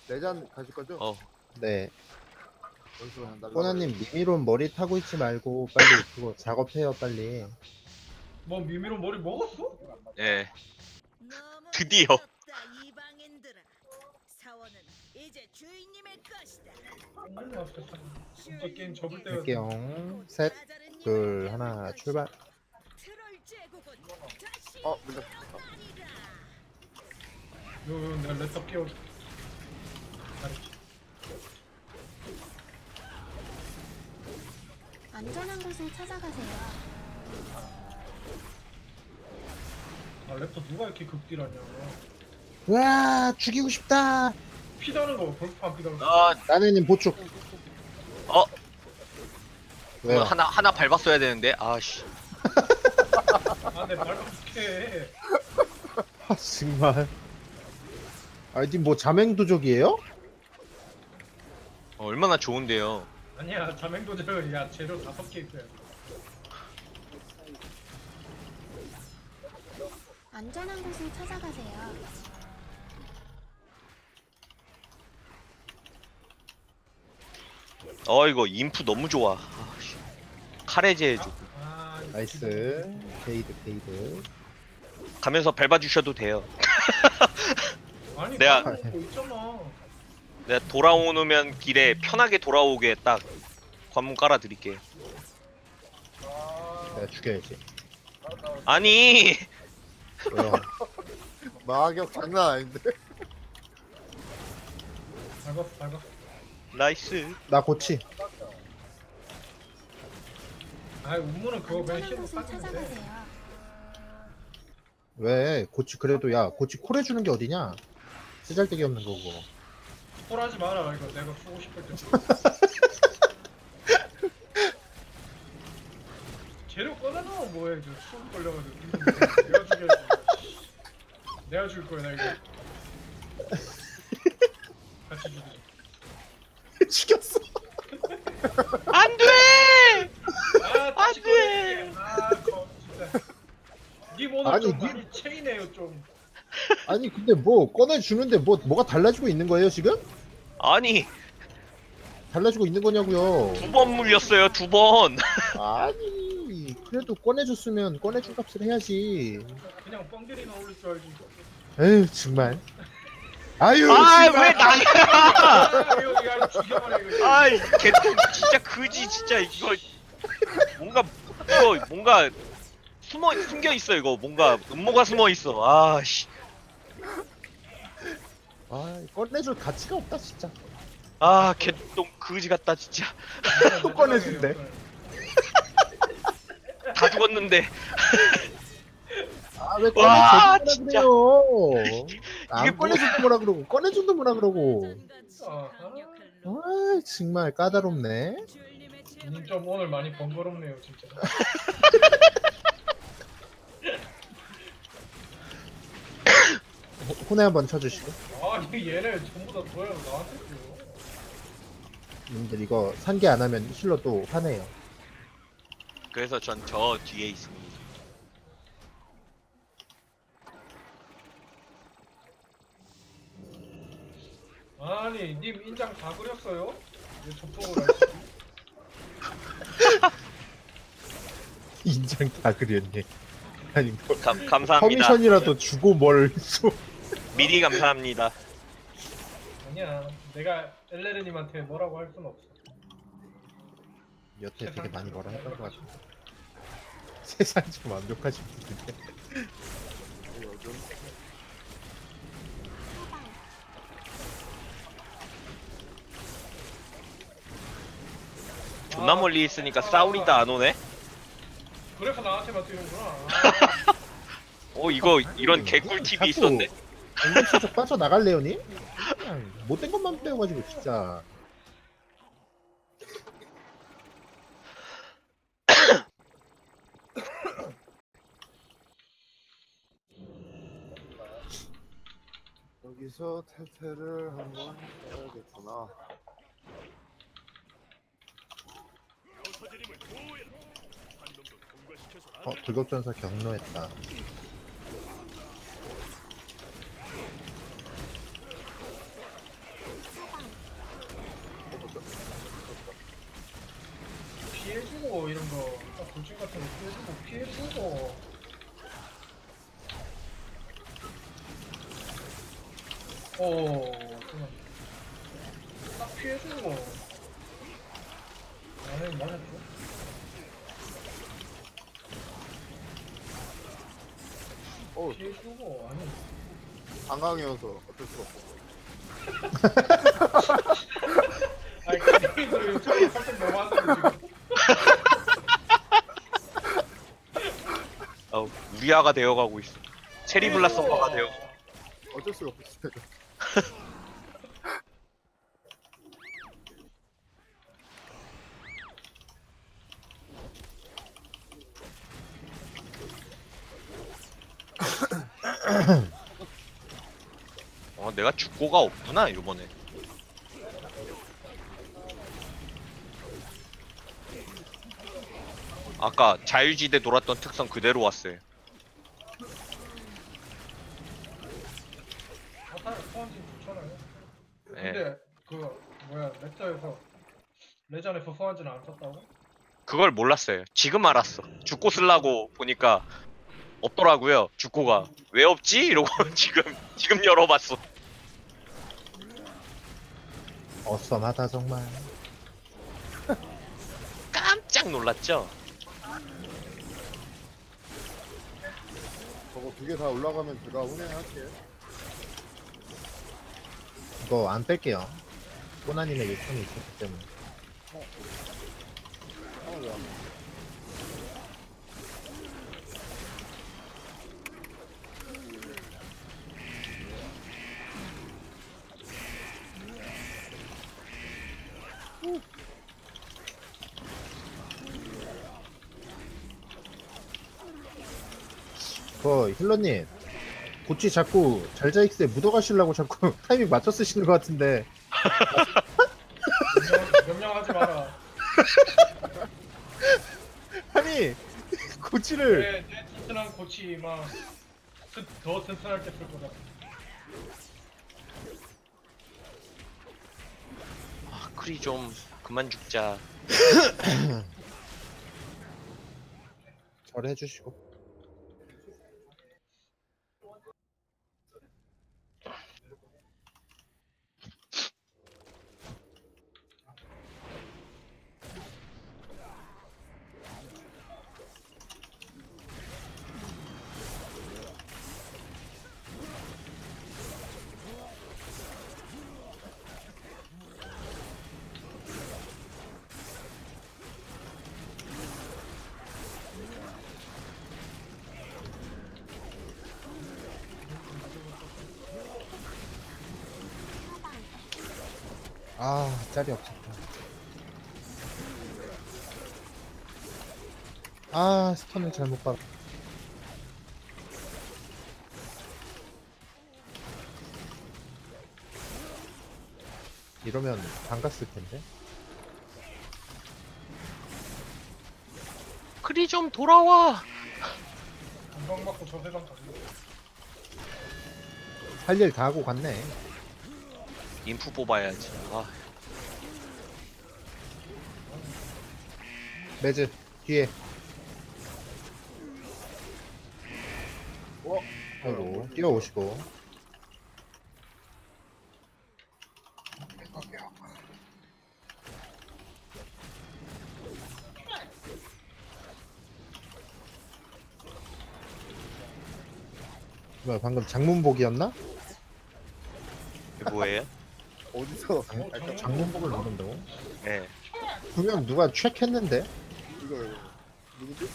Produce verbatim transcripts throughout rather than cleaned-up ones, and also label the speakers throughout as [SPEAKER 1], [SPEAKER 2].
[SPEAKER 1] 내잔 가실 거죠?
[SPEAKER 2] 어.
[SPEAKER 3] 네.
[SPEAKER 1] 어디서 그냥 날라.
[SPEAKER 3] 꼬나님 미미론 머리 타고 있지 말고 빨리 그거 작업해요 빨리.
[SPEAKER 4] 뭐 미미로 머리 먹었어?
[SPEAKER 2] 예.
[SPEAKER 5] 너무
[SPEAKER 2] 드디어.
[SPEAKER 5] 늦었다, 이방인들아. 사원은 이제 주인님의 것이다.
[SPEAKER 4] 아, 진짜 게임 접을 때가
[SPEAKER 3] 할게요. 셋, 둘, 하나, 출발.
[SPEAKER 5] 트롤 제국은 다시
[SPEAKER 1] 어, 물렸다.
[SPEAKER 5] 일어나리라.
[SPEAKER 4] 요, 요, 내가 랩탑 깨워줄게.
[SPEAKER 6] 안전한 곳을 찾아가세요.
[SPEAKER 4] 아 랩탑 누가 이렇게 극딜하냐.
[SPEAKER 3] 와 죽이고 싶다.
[SPEAKER 4] 피다는 거 벌써 안 피다는 거.
[SPEAKER 2] 아,
[SPEAKER 3] 나네님 보충.
[SPEAKER 2] 어.
[SPEAKER 3] 왜요?
[SPEAKER 2] 뭐 하나 하나 밟았어야 되는데. 아씨.
[SPEAKER 4] 아, 내 말 어떡해.
[SPEAKER 3] 아 정말. 아니 뭐 자맹도적이에요?
[SPEAKER 2] 어, 얼마나 좋은데요.
[SPEAKER 4] 아니야, 자맹도저는 야 재료 다섯 개 있어야 돼.
[SPEAKER 6] 안전한 곳을 찾아가세요.
[SPEAKER 2] 어 이거 인프 너무 좋아. 아, 씨. 카레제 해줘.
[SPEAKER 4] 아, 이거
[SPEAKER 3] 나이스. 게이드 게이드.
[SPEAKER 2] 가면서 밟아주셔도 돼요.
[SPEAKER 4] 아니,
[SPEAKER 2] 내가-
[SPEAKER 4] 내가 거 있잖아.
[SPEAKER 2] 내가 돌아오면 길에 편하게 돌아오게 딱 관문 깔아드릴게.
[SPEAKER 3] 내가 죽여야지.
[SPEAKER 2] 아니.
[SPEAKER 3] 왜요?
[SPEAKER 1] 마격 장난 아닌데.
[SPEAKER 4] 밟았어, 밟았어.
[SPEAKER 2] 나이스.
[SPEAKER 3] 나 고치.
[SPEAKER 4] 아, 운무는 그거 그냥
[SPEAKER 6] 안전한
[SPEAKER 4] 힐로
[SPEAKER 6] 곳을
[SPEAKER 4] 빠지면 돼.
[SPEAKER 6] 찾아가세요.
[SPEAKER 3] 왜 고치 그래도 야 고치 콜 해주는 게 어디냐? 쓰잘데기 없는 거고.
[SPEAKER 4] 콜하지 마라, 이거 내가 쓰고 싶을 때. 재료 꺼내놓으면 뭐해, 저 수업 걸려가지고. 내가 죽여야지. 내가 죽일 거야, 나 이거. 같이 죽이자.
[SPEAKER 3] 죽였어.
[SPEAKER 2] 안 돼.
[SPEAKER 4] 아, 다시
[SPEAKER 2] 안 돼.
[SPEAKER 4] 꺼내줄게. 아, 거, 진짜. 님 오늘
[SPEAKER 3] 아니,
[SPEAKER 4] 좀
[SPEAKER 3] 님-
[SPEAKER 4] 많이 체이네요, 좀.
[SPEAKER 3] 아니 근데 뭐 꺼내 주는데 뭐 뭐가 달라지고 있는 거예요 지금?
[SPEAKER 2] 아니
[SPEAKER 3] 달라지고 있는 거냐고요?
[SPEAKER 2] 두 번 물렸어요. 두 번.
[SPEAKER 3] 아니 그래도 꺼내줬으면 꺼내준 값을 해야지.
[SPEAKER 4] 그냥 뻥들이나 올릴 줄 알지.
[SPEAKER 3] 에휴 정말. 아유
[SPEAKER 2] 아
[SPEAKER 3] 씨발.
[SPEAKER 2] 왜 나야?
[SPEAKER 4] 아, 이거, 야, 이거 죽여버려, 이거.
[SPEAKER 2] 아이 개똥 진짜 그지 진짜 이거 뭔가 이거 뭔가 숨어 숨겨 있어 이거 뭔가 음모가 숨어 있어. 아씨.
[SPEAKER 3] 아 꺼내줄 가치가 없다 진짜.
[SPEAKER 2] 아 개똥 그지 같다 진짜.
[SPEAKER 3] 또 꺼내준대.
[SPEAKER 2] 다 죽었는데.
[SPEAKER 3] 아왜
[SPEAKER 2] 와,
[SPEAKER 3] 꺼내준다
[SPEAKER 2] 진짜.
[SPEAKER 3] 그래요? 안
[SPEAKER 2] 이게 뭐-
[SPEAKER 3] 꺼내준다 뭐라 그러고 꺼내준다 뭐라 그러고.
[SPEAKER 4] 아,
[SPEAKER 3] 아 정말 까다롭네.
[SPEAKER 4] 님 좀 오늘 많이 번거롭네요, 진짜.
[SPEAKER 3] 호- 혼에 한번 쳐주시고.
[SPEAKER 4] 아, 이 얘네 전부 다 줘요, 나한테 줘.
[SPEAKER 3] 님들 이거 산게 안 하면 힐러 또 화내요.
[SPEAKER 2] 그래서 전 저 뒤에 있습니다.
[SPEAKER 4] 아니, 님 인장 다 그렸어요? 왜 접속을 하시지?
[SPEAKER 3] 인장 다 그렸네. 아니 뭐
[SPEAKER 2] 감 감사합니다.
[SPEAKER 3] 커미션이라도 주고 뭘 쏘.
[SPEAKER 2] 미리 감사합니다.
[SPEAKER 4] 아니야, 내가 엘레르님한테 뭐라고 할 순 없어.
[SPEAKER 3] 여태 되게 많이 뭐라 했던 것 같아. 세상 좀 완벽하신 분인데.
[SPEAKER 1] 요즘
[SPEAKER 2] 존나 멀리 있으니까 싸우리다 안 오네.
[SPEAKER 4] 그래서 나한테만 뛰는구나. 아,
[SPEAKER 2] 어 이거 이런 개꿀 팁이 있었네.
[SPEAKER 3] 공격수적 빠져 나갈래요니? 그냥 못된 것만 빼어가지고 진짜.
[SPEAKER 1] 여기서 탈퇴를 한번 해야겠구나.
[SPEAKER 3] 어 불법전사 경로했다.
[SPEAKER 4] 돌진 같은 거 피해주고 피해주고. 어, 그만. 딱 피해주고. 나는 맞았죠.
[SPEAKER 1] 어,
[SPEAKER 4] 피해주고 아니.
[SPEAKER 1] 방광이어서 어쩔 수가 없어.
[SPEAKER 4] 아니 게임도 유튜브에 살짝 넘어왔는데 지금.
[SPEAKER 2] 어, 우리아가 되어가고 있어. 체리블라 서버가 되어.
[SPEAKER 1] 어쩔 수가 없어.
[SPEAKER 2] 어, 내가 죽고가 없구나 이번에. 아까 자유지대 놀았던 특성 그대로 왔어요.
[SPEAKER 4] 아타르 소환진 좋잖아요.
[SPEAKER 2] 예.
[SPEAKER 4] 근데 그 뭐야 렉터에서 레전에서 소환진 안 썼다고?
[SPEAKER 2] 그걸 몰랐어요. 지금 알았어. 죽고 쓰려고 보니까 없더라고요. 죽고가 왜 없지? 이러고 지금 지금 열어봤어.
[SPEAKER 3] 어썸하다 정말.
[SPEAKER 2] 깜짝 놀랐죠.
[SPEAKER 1] 저거 두 개 다 올라가면 제가 운행할게.
[SPEAKER 3] 이거 안 뺄게요. 꼬나님의 요청이 있었기 때문에.
[SPEAKER 1] 아, 왜 안-
[SPEAKER 3] 그 힐러님 고치 자꾸 잘자익스에 묻어가시려고 자꾸 타이밍 맞춰 쓰시는 것 같은데.
[SPEAKER 4] 명령, 명령하지 마라.
[SPEAKER 3] 아니 고치를
[SPEAKER 4] 내, 내 튼튼한 고치 막 더 튼튼할 때 쓸 거다.
[SPEAKER 2] 아, 크리 좀 그만 죽자.
[SPEAKER 3] 절 해주시고. 아 짤이 없었다. 아 스턴을 잘못 받. 이러면 반갔을 텐데.
[SPEAKER 2] 크리 좀 돌아와.
[SPEAKER 4] 금방 맞고 저 세상 가지.
[SPEAKER 3] 할 일 다 하고 갔네.
[SPEAKER 2] 인프 뽑아야지. 아,
[SPEAKER 3] 매즈 뒤에.
[SPEAKER 1] 어?
[SPEAKER 3] 아이고 뛰어오시고. 뭐야 방금 장문복이었나?
[SPEAKER 2] 이게 뭐예요?
[SPEAKER 1] 어디서?
[SPEAKER 3] 장,
[SPEAKER 1] 아, 저-
[SPEAKER 3] 장문복을 누른다고?
[SPEAKER 2] 네.
[SPEAKER 3] 분명 누가 체크했는데?
[SPEAKER 1] 이거 이거 누구지?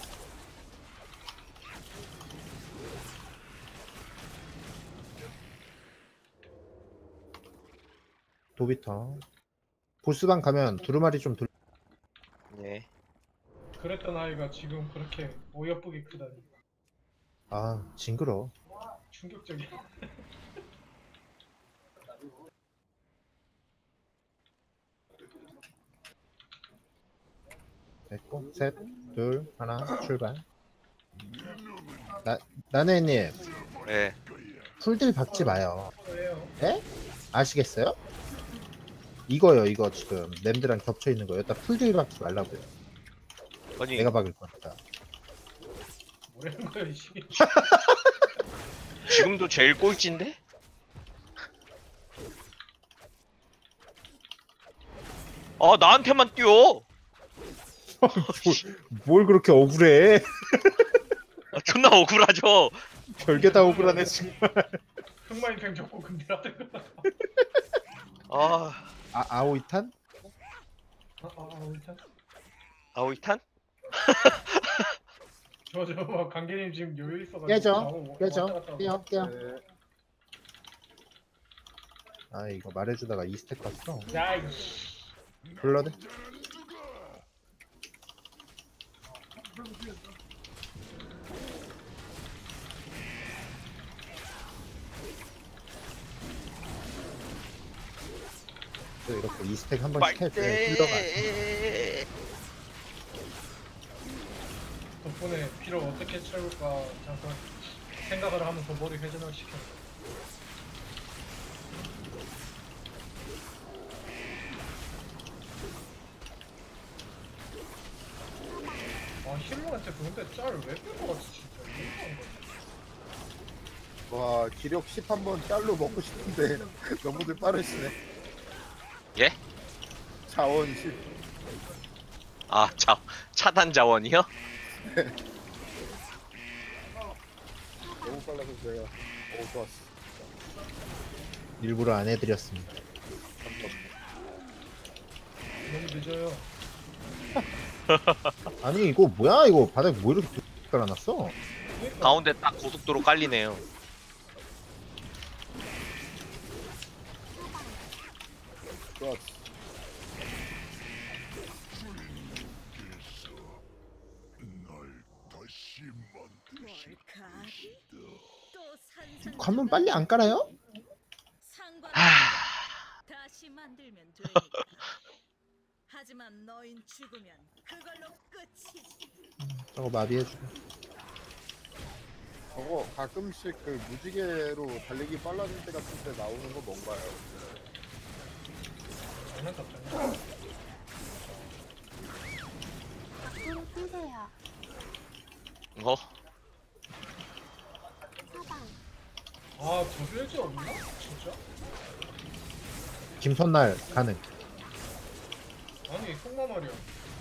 [SPEAKER 3] 도비터. 보스방 가면 두루마리 좀 돌.
[SPEAKER 2] 네.
[SPEAKER 4] 그랬던 아이가 지금 그렇게 어여쁘게 크다니.
[SPEAKER 3] 아 징그러.
[SPEAKER 4] 충격적이야.
[SPEAKER 3] 됐고 셋, 둘, 하나 출발. 나 나네님
[SPEAKER 2] 네.
[SPEAKER 3] 풀들 박지 마요.
[SPEAKER 4] 왜요?
[SPEAKER 3] 에? 아시겠어요? 이거요 이거 지금 램드랑 겹쳐 있는 거 여기다 풀들 박지 말라고요.
[SPEAKER 2] 아니
[SPEAKER 3] 내가 박을 거니까.
[SPEAKER 4] 뭐라는 거야 이씨.
[SPEAKER 2] 지금도 제일 꼴찌인데? 아 나한테만 뛰어.
[SPEAKER 3] 뭘 그렇게 억울해?
[SPEAKER 2] 아, 존나 억울하죠.
[SPEAKER 3] 별게 다 억울하네 지금.
[SPEAKER 4] 흑마인팽 접고 근데라든 거.
[SPEAKER 2] 아
[SPEAKER 3] 아 아오이탄?
[SPEAKER 4] 아, 아, 아, 일단
[SPEAKER 2] 아오이탄?
[SPEAKER 4] 저저 막 강계님 지금 여유 있어가지고
[SPEAKER 3] 깨져,
[SPEAKER 4] 나오고 왔다
[SPEAKER 3] 깨져,
[SPEAKER 4] 갔다 하고.
[SPEAKER 3] 깨요, 깨요.
[SPEAKER 1] 네.
[SPEAKER 3] 아 이거 말해주다가 이 스택 갔어.
[SPEAKER 4] 야 이씨.
[SPEAKER 3] 블러드? 또 이렇게 이 스택 한 번씩 해줘. 힐러가.
[SPEAKER 2] 빨대.
[SPEAKER 4] 덕분에 피를 어떻게 채울까 잠깐 생각을 하면서 머리 회전을 시켜. 아 힐러한테 그런데 짤왜 뺀거 같지 진짜. 이상한 거지.
[SPEAKER 1] 와 기력 십 한 번 짤로 먹고 싶은데 너무들 빠르시네.
[SPEAKER 2] 예?
[SPEAKER 1] 자원 십.
[SPEAKER 2] 아 자, 차단 자원이요?
[SPEAKER 1] 너무 빨라서 제가 오 좋았어.
[SPEAKER 3] 일부러 안 해드렸습니다.
[SPEAKER 4] 너무 늦어요.
[SPEAKER 3] 아니 이거 뭐야 이거 바닥 뭐 이렇게 깔아놨어?
[SPEAKER 4] 그러니까
[SPEAKER 2] 가운데 딱 고속도로 깔리네요.
[SPEAKER 1] 좋았어.
[SPEAKER 5] 뭘까지? 또 산산.
[SPEAKER 3] 관문 빨리 안 깔아요?
[SPEAKER 5] 상관.
[SPEAKER 2] 하...
[SPEAKER 5] 다시 만들면 되니까. 하지만 너인 죽으면 그걸로 끝이지.
[SPEAKER 3] 저거 마비해주고.
[SPEAKER 1] 저거 가끔씩 그 무지개로 달리기 빨라질 때 같은 때 나오는 거 뭔가요?
[SPEAKER 4] 장난 같잖아.
[SPEAKER 6] 밖으로 뛰세요.
[SPEAKER 2] 어?
[SPEAKER 6] 사방.
[SPEAKER 4] 아 저수일지 없나? 진짜?
[SPEAKER 3] 김선날 가능.
[SPEAKER 4] 아니 속마 말이야.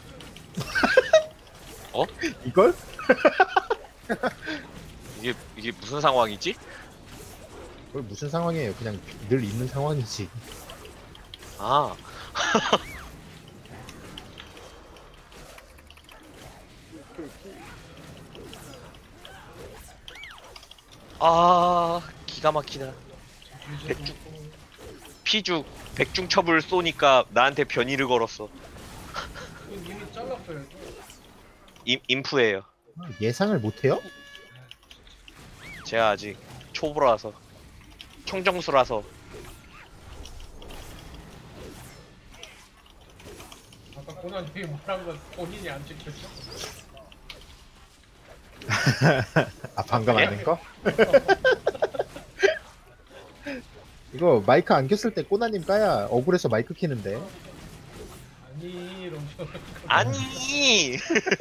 [SPEAKER 3] 이걸?
[SPEAKER 2] 이게 이게 무슨 상황이지?
[SPEAKER 3] 그걸 무슨 상황이에요? 그냥 늘 있는 상황이지.
[SPEAKER 2] 아 아 기가 막히다.
[SPEAKER 4] 백주.
[SPEAKER 2] 피죽 백중첩을 쏘니까 나한테 변이를 걸었어.
[SPEAKER 4] 이미 잘랐어요.
[SPEAKER 2] 임, 인프예요.
[SPEAKER 3] 예상을 못해요?
[SPEAKER 2] 제가 아직 초보라서 청정수라서.
[SPEAKER 4] 아까 고난님이 말한 건 본인이 안 지켰죠?
[SPEAKER 3] 아 방금
[SPEAKER 2] 예?
[SPEAKER 3] 안 된 거? 이거 마이크 안 켰을 때 꼬나님 까야 억울해서 마이크 키는데.
[SPEAKER 4] 아니 이러면서.
[SPEAKER 2] 아니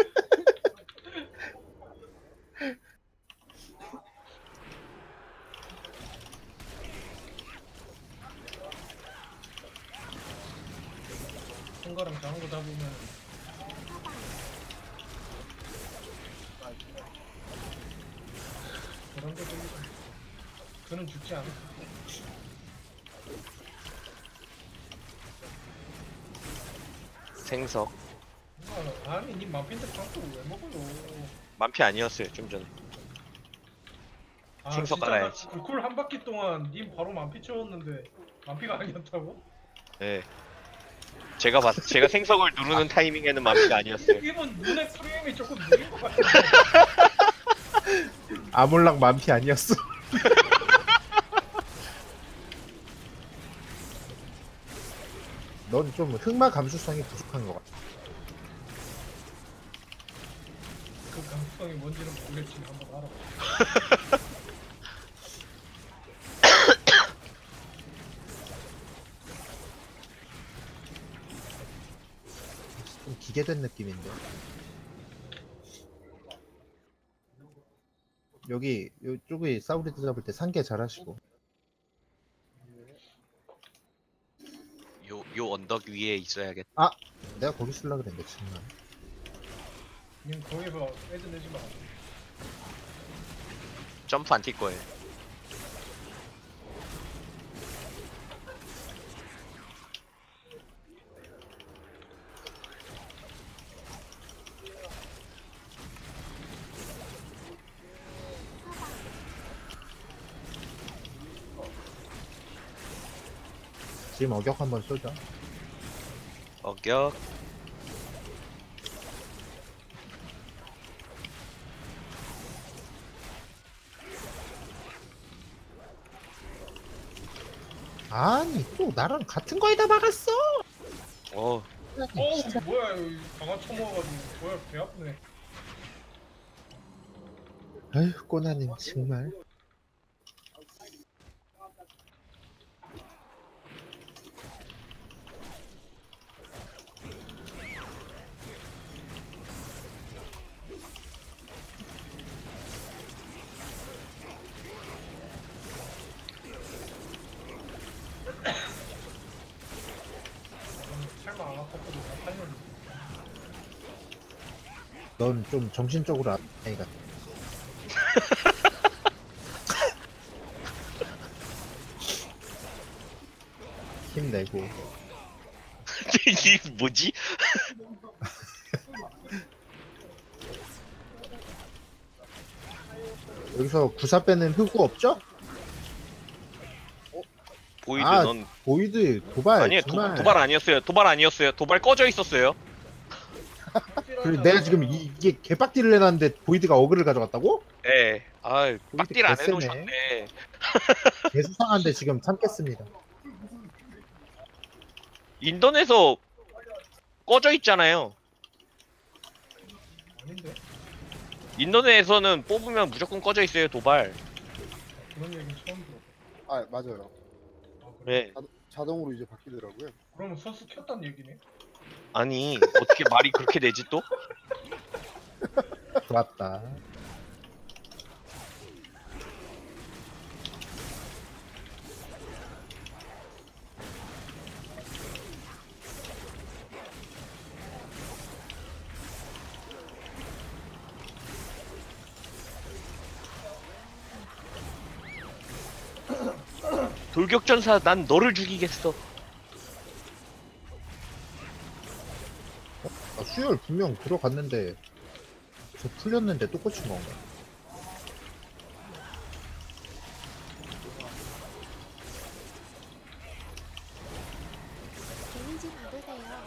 [SPEAKER 4] 큰 거랑 작은 거 잡으면 그런 거 들리고 그는 죽지 않아.
[SPEAKER 2] 생석
[SPEAKER 4] 아, 아니 니 마핀데 장소를 왜 먹어요?
[SPEAKER 2] 만피 아니었어요 좀 전에.
[SPEAKER 4] 아,
[SPEAKER 2] 생석
[SPEAKER 4] 진짜
[SPEAKER 2] 깔아야지.
[SPEAKER 4] 그쿨 한 바퀴 동안 님 바로 만피 채웠는데 만피가 아니었다고?
[SPEAKER 2] 예. 제가 봤 제가 생석을 누르는 타이밍에는 만피가 아니었어요.
[SPEAKER 4] 이건 눈의 프레임이 조금 느린 것 같은데.
[SPEAKER 3] 아몰랑 만피 아니었어. 넌 좀 흑마 감수성이 부족한 것 같아.
[SPEAKER 4] 그 감수성이 뭔지는 모르겠지만 한번 알아봐.
[SPEAKER 3] 좀 기계된 느낌인데. 여기 요쪽에 사우리드 잡을 때 상계 잘하시고.
[SPEAKER 2] 요, 요 언덕 위에 있어야겠다.
[SPEAKER 3] 내가 거기 쓸라 그랬는데 정말.
[SPEAKER 4] 님 거기서 애들 내지 마.
[SPEAKER 2] 점프 안 뛸 거예요.
[SPEAKER 3] 지금 어격 한번 쏘자.
[SPEAKER 2] 어격.
[SPEAKER 3] 아니 또 나랑 같은 거에다 막았어.
[SPEAKER 2] 어,
[SPEAKER 4] 어우 뭐야 이거 강화 처먹어가지고 뭐야 배 아프네.
[SPEAKER 3] 아휴 꼬나님 정말.
[SPEAKER 4] 설마 안 아팠거든. 아팠는데.
[SPEAKER 3] 넌 좀 정신적으로 안 아이가. 힘내고.
[SPEAKER 2] 이게 뭐지?
[SPEAKER 3] 여기서 구사 빼는 흑우 없죠?
[SPEAKER 2] 보이드
[SPEAKER 3] 아,
[SPEAKER 2] 넌
[SPEAKER 3] 보이드 도발
[SPEAKER 2] 아니에요. 도,
[SPEAKER 3] 정말.
[SPEAKER 2] 도발 아니었어요. 도발 아니었어요. 도발 꺼져 있었어요.
[SPEAKER 3] 그리고 내가 지금 이, 이게 개빡디를 해놨는데 보이드가 어그를 가져갔다고?
[SPEAKER 2] 예. 아, 빡딜 안
[SPEAKER 3] 개쎄네.
[SPEAKER 2] 해놓으셨네.
[SPEAKER 3] 개수상한데 지금 참겠습니다.
[SPEAKER 2] 인터넷에서 꺼져 있잖아요.
[SPEAKER 4] 아닌데?
[SPEAKER 2] 인터넷에서는 뽑으면 무조건 꺼져 있어요. 도발.
[SPEAKER 4] 그런 얘기는 처음 들어.
[SPEAKER 1] 아 맞아요.
[SPEAKER 4] 아, 그래?
[SPEAKER 2] 네.
[SPEAKER 1] 자동으로 이제 바뀌더라고요.
[SPEAKER 4] 그러면 선수 켰단 얘기네.
[SPEAKER 2] 아니 어떻게 말이 그렇게 되지 또?
[SPEAKER 3] 좋았다.
[SPEAKER 2] 돌격전사 난 너를 죽이겠어.
[SPEAKER 3] 아, 수혈 분명 들어갔는데 저 풀렸는데 또 꽂힌 건가?
[SPEAKER 6] 데미지 받으세요.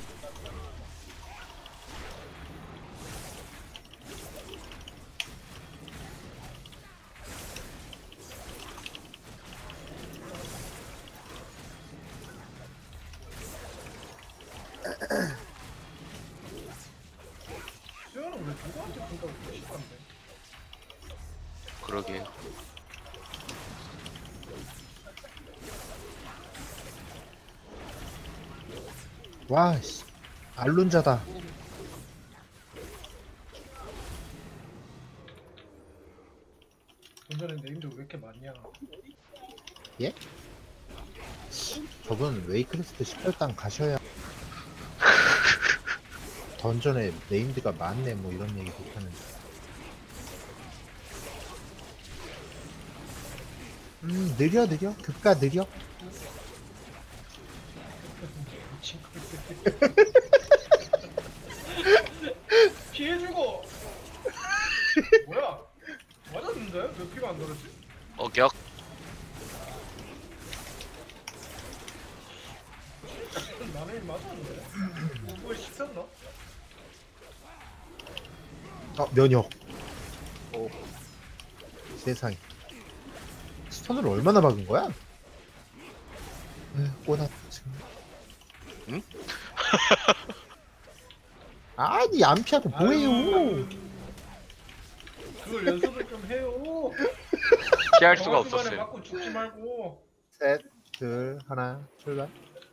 [SPEAKER 4] 수현은 왜 누구한테 준다고 싫어한데?
[SPEAKER 2] 그러게.
[SPEAKER 3] 와, 씨. 알룬자다.
[SPEAKER 4] 전전에 네임도 왜 이렇게 많냐?
[SPEAKER 3] 저분 웨이크리스트 십팔 단 가셔야 던전에 네임드가 많네 뭐 이런 얘기 못하는데. 음 느려 느려 급가 느려.
[SPEAKER 4] 미친 거. 피해주고. 뭐야? 맞았는데? 왜 피가 안 들었지?
[SPEAKER 2] 어격.
[SPEAKER 4] 나는 맞았는데? 뭘 씹혔나?
[SPEAKER 3] 어 면역. 오 세상에. 스턴을 얼마나 박은 거야? 에휴, 꼬나 지금.
[SPEAKER 2] 응?
[SPEAKER 3] 아니 안 피하고 뭐해요?
[SPEAKER 4] 아유, 그걸 연습을 좀 해요.
[SPEAKER 2] 피할 수가
[SPEAKER 4] 정한 순간에
[SPEAKER 2] 없었어요.
[SPEAKER 4] 맞고 죽지 말고.
[SPEAKER 3] 셋, 둘, 하나, 출발.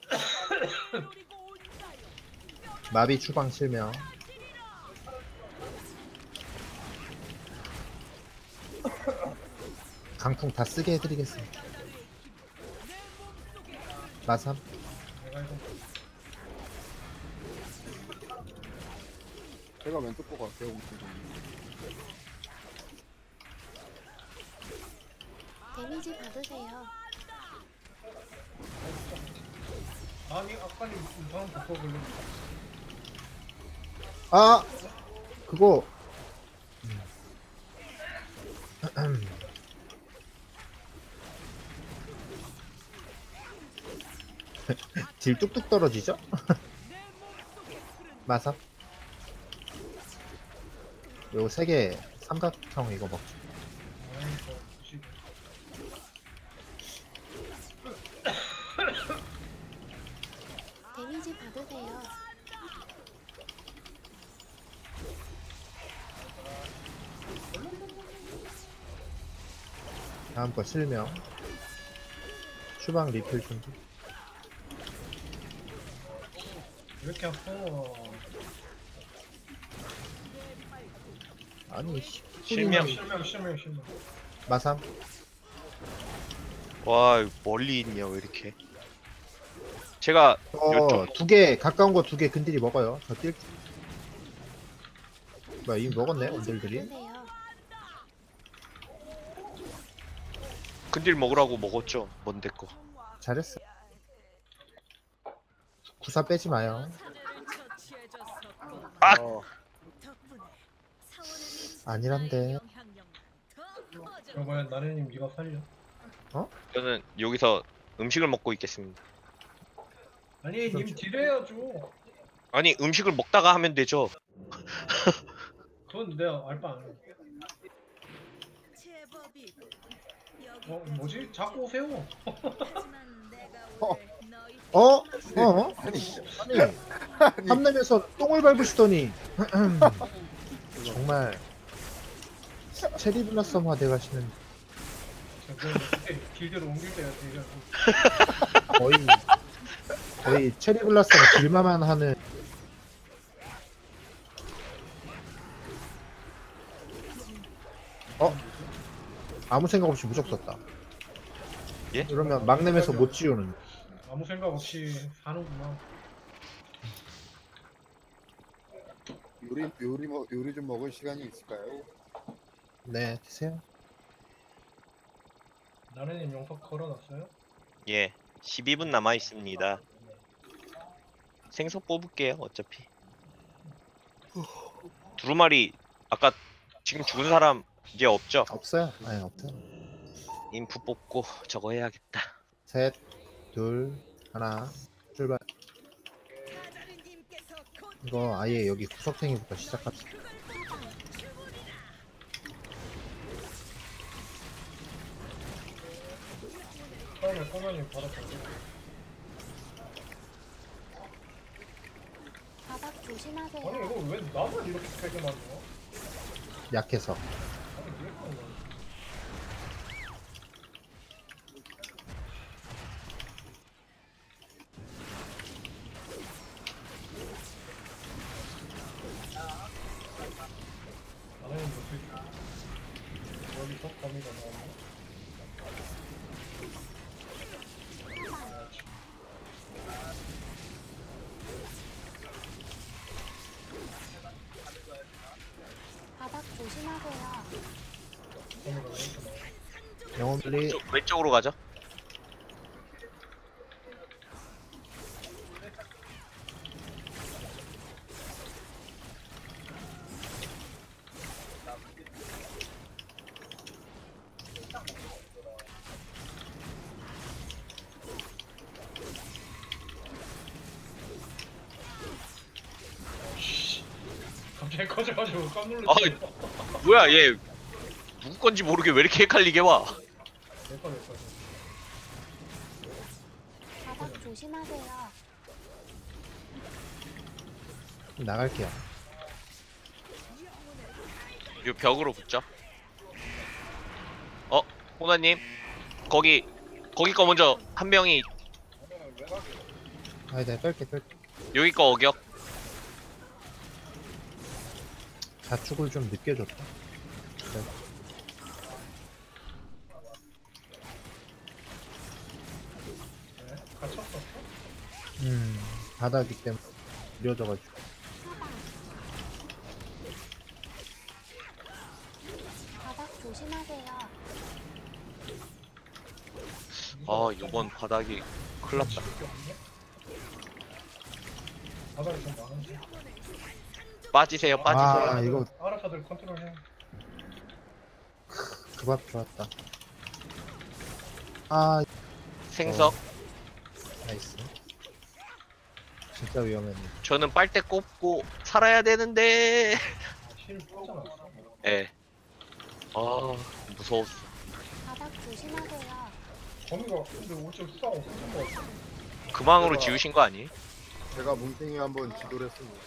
[SPEAKER 3] 마비 추방 실명. 강풍 다 쓰게 해드리겠습니다. 마삼.
[SPEAKER 4] 내가 이거
[SPEAKER 1] 제가 왼쪽 거 갈게요. 엄청 좀.
[SPEAKER 6] 데미지 받으세요.
[SPEAKER 4] 아니 아까는 이상한 복거 걸려.
[SPEAKER 3] 아 그거 딜 뚝뚝 떨어지죠? 마삼. 요 세 개 삼각형 이거 먹죠.
[SPEAKER 4] 아니 저 지금
[SPEAKER 6] 데미지 받으세요.
[SPEAKER 3] 다음 거 실명. 추방 리필 준비.
[SPEAKER 4] 왜 이렇게 아파?
[SPEAKER 3] 아니 씨.
[SPEAKER 2] 실명.
[SPEAKER 4] 실명 실명 실명.
[SPEAKER 3] 마삼.
[SPEAKER 2] 와 멀리 있냐 왜 이렇게? 제가
[SPEAKER 3] 어,
[SPEAKER 2] 요쪽-
[SPEAKER 3] 두 개, 가까운 거 두 개 근딜이 먹어요. 저 뛸. 뭐야, 이미 먹었네,
[SPEAKER 6] 데미지
[SPEAKER 3] 원딜들이.
[SPEAKER 6] 받으세요.
[SPEAKER 2] 근딜 먹으라고 먹었죠. 뭔데 거.
[SPEAKER 3] 잘했어. 구사 빼지 마요.
[SPEAKER 5] 사례를 처치해줬었고
[SPEAKER 2] 아!
[SPEAKER 1] 어,
[SPEAKER 5] 덕분에 사원의
[SPEAKER 3] 아니란데.
[SPEAKER 5] 영향력만 더 커져.
[SPEAKER 4] 그러면 나래님 네가 살려.
[SPEAKER 2] 저는 여기서 음식을 먹고 있겠습니다.
[SPEAKER 4] 아니 님 딜해야죠.
[SPEAKER 2] 아니 음식을 먹다가 하면 되죠.
[SPEAKER 4] 그건 내가 알바 안 해.
[SPEAKER 5] 제법이
[SPEAKER 4] 어 뭐지? 자꾸 오세요.
[SPEAKER 5] 하지만 내가
[SPEAKER 1] 어.
[SPEAKER 5] 왜 너희
[SPEAKER 3] 어? 어?
[SPEAKER 1] 아니,
[SPEAKER 3] 아니, 탐내면서 똥을 밟으시더니. 정말. 체리 블라썸화 돼가시는
[SPEAKER 4] 그건 길대로 옮길 때가 되죠.
[SPEAKER 3] 거의, 거의 체리 블라썸 길마만 하는. 어? 아무 생각 없이 무적 썼다.
[SPEAKER 2] 예?
[SPEAKER 3] 이러면 막 내면서 못 지우는.
[SPEAKER 4] 아무 생각 없이 사는구나.
[SPEAKER 1] 요리 요리 먹 요리 좀 먹을 시간이 있을까요?
[SPEAKER 3] 네, 드세요.
[SPEAKER 4] 나래님 영석 걸어놨어요?
[SPEAKER 2] 예. 십이 분 남아 있습니다. 생선 뽑을게요. 어차피. 두루마리 아까 지금 죽은 사람 이제 없죠?
[SPEAKER 3] 없어요. 아니, 없어요.
[SPEAKER 2] 인프 뽑고 저거 해야겠다.
[SPEAKER 3] 셋, 둘, 하나, 출발.
[SPEAKER 5] 사다리님께서 곧
[SPEAKER 3] 이거 아예 여기 구석탱이부터 시작합시다.
[SPEAKER 4] 처음에 소면님 받았거든요.
[SPEAKER 6] 바닥
[SPEAKER 4] 아니
[SPEAKER 6] 조심하세요.
[SPEAKER 4] 이거 왜 나만 이렇게 세게 맞냐?
[SPEAKER 3] 약해서.
[SPEAKER 4] 아니 왜 그런 거야? 나래님 어떻게 여기서 거미가 나왔네?
[SPEAKER 6] 바닥 조심하세요.
[SPEAKER 4] 거미가 왜 이렇게 나와?
[SPEAKER 3] 영혼 분리.
[SPEAKER 2] 왼쪽, 왼쪽으로 가죠.
[SPEAKER 4] 갑자기 커져가지고 깜
[SPEAKER 2] 아,
[SPEAKER 4] 놀랐어.
[SPEAKER 2] 뭐야 얘 누구 건지 모르게 왜 이렇게 헷갈리게 와.
[SPEAKER 4] 내꺼 내꺼.
[SPEAKER 6] 바닥 조심하세요.
[SPEAKER 3] 나갈게요.
[SPEAKER 2] 요 벽으로 붙죠. 어, 호나님 거기 거기 거 먼저 한 명이
[SPEAKER 3] 아니, 내가 뺄게, 뺄게.
[SPEAKER 2] 여기 거 어격.
[SPEAKER 3] 자축을 좀 늦게 줬다. 음 바닥이 때문에 느려져가지고.
[SPEAKER 6] 바닥 조심하세요.
[SPEAKER 2] 아 요번 바닥이 큰일 났다.
[SPEAKER 4] 바닥이 좀 많은데.
[SPEAKER 2] 빠지세요 빠지세요.
[SPEAKER 3] 아 이거
[SPEAKER 4] 아라카들 컨트롤해.
[SPEAKER 3] 그 밥 좋았다. 아
[SPEAKER 2] 생석.
[SPEAKER 3] 나이스. 진짜 위험했네.
[SPEAKER 2] 저는 빨대 꼽고 살아야 되는데.
[SPEAKER 4] 실 꽂아놨어.
[SPEAKER 2] 예. 아 무서웠어.
[SPEAKER 6] 바닥 조심하세요.
[SPEAKER 4] 거미가 근데 옷을 싹 없었던 것 같아.
[SPEAKER 2] 그 망으로 지우신 거 아니?
[SPEAKER 1] 제가 뭉탱이 한번 지도를 했습니다.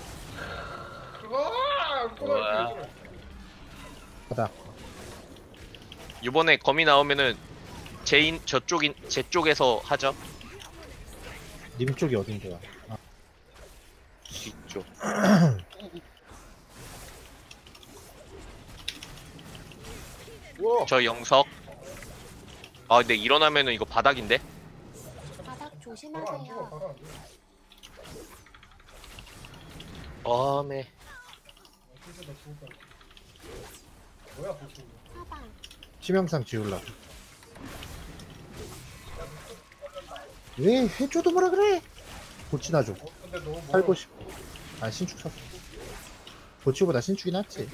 [SPEAKER 4] 아!
[SPEAKER 2] 우와.
[SPEAKER 4] 꼬다리
[SPEAKER 3] 바닥.
[SPEAKER 2] 이번에 거미 나오면은 제인 저쪽인 제 쪽에서 하죠.
[SPEAKER 3] 님 쪽이 어딘데요? 아,
[SPEAKER 2] 뒤쪽.
[SPEAKER 1] 우와!
[SPEAKER 2] 저 영석. 아 근데 일어나면은 이거 바닥인데?
[SPEAKER 6] 바닥
[SPEAKER 4] 바로 안 죽어,
[SPEAKER 6] 조심하세요.
[SPEAKER 4] 바로 안 죽어.
[SPEAKER 2] 어메.
[SPEAKER 4] 아, 진짜 나 죽을 것 같아. 뭐야, 보스.
[SPEAKER 6] 사방.
[SPEAKER 3] 치명상 지우려고. 왜 해줘도 뭐라 그래? 고치나 줘.
[SPEAKER 4] 어, 근데 너무 멀어.
[SPEAKER 3] 살고 싶어. 아 신축 샀어. 고치보다 신축이 낫지.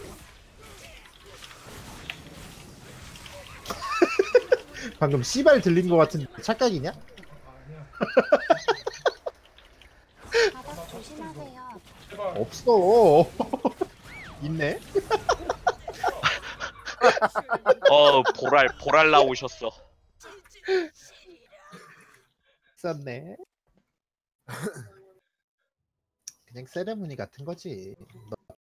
[SPEAKER 3] 방금 씨발 들린 거 같은 착각이냐?
[SPEAKER 4] 아니야.
[SPEAKER 6] 바닥 조심하세요.
[SPEAKER 4] 제발.
[SPEAKER 3] 없어. 있네.
[SPEAKER 2] 어 보랄 보랄 나오셨어.
[SPEAKER 3] 있었네. 그냥 세레모니 같은 거지.